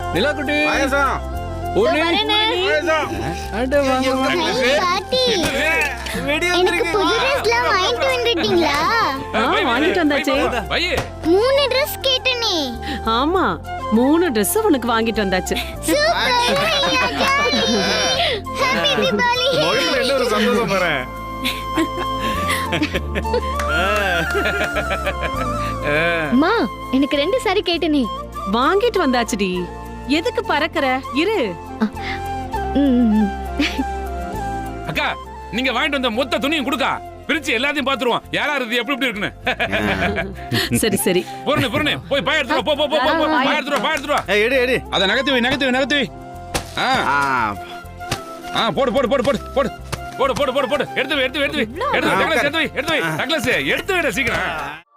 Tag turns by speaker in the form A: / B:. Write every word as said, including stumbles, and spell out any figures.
A: நிலா குட்டி
B: பாயசம்
A: பூர்ணி
B: பாயசம்
A: அட வாங்க வாங்க.
C: பாட்டி
B: வெடி
C: எனக்கு புது ட்ரெஸ்லாம் வாங்கிட்டு வந்துட்டீங்களா?
D: ஆ, வாங்கிட்டு வந்தாச்சு.
E: வையே
C: மூணு ட்ரெஸ் கேட்டனே.
D: ஆமா, மூணு Dress உனக்கு வாங்கிட்டு வந்தாச்சு.
C: Super happy Deepavali.
B: முகத்துல என்ன ஒரு சந்தோஷம் பாறேன்.
F: அம்மா எனக்கு ரெண்டு சாரி கேட்டனே.
D: வாங்கிட்டு வந்தாச்சுடி. எதுக்கு பறக்கற? இரு.
E: அக்கா நீங்க வாங்கிட்டு வந்த மொத்த துணியும் கொடுக்கா, பிரிச்சு எல்லாத்தையும் பாத்துருவோம் யாரா இருக்கு எப்படி எப்படி இருக்குன்னு.
D: சரி சரி.
E: பொருணே பொருணே போய் பாய் எடுத்துரு போ போ போ போ பாய் எடுத்துரு பாய் எடுத்துரு.
B: ஏய் எடு எடு.
E: அத நகர்த்தி வை நகர்த்தி வை நகர்த்தி வை. ஆ
B: ஆ
E: ஆ போடு போடு போடு போடு போடு போடு போடு போடு போடு எடுத்து வை எடுத்து வை எடுத்து வை எடுத்து வை டக்ளஸ் எடுத்து வை எடுத்து வை டக்ளஸ் எடுத்து வைடா சீக்கிரம்.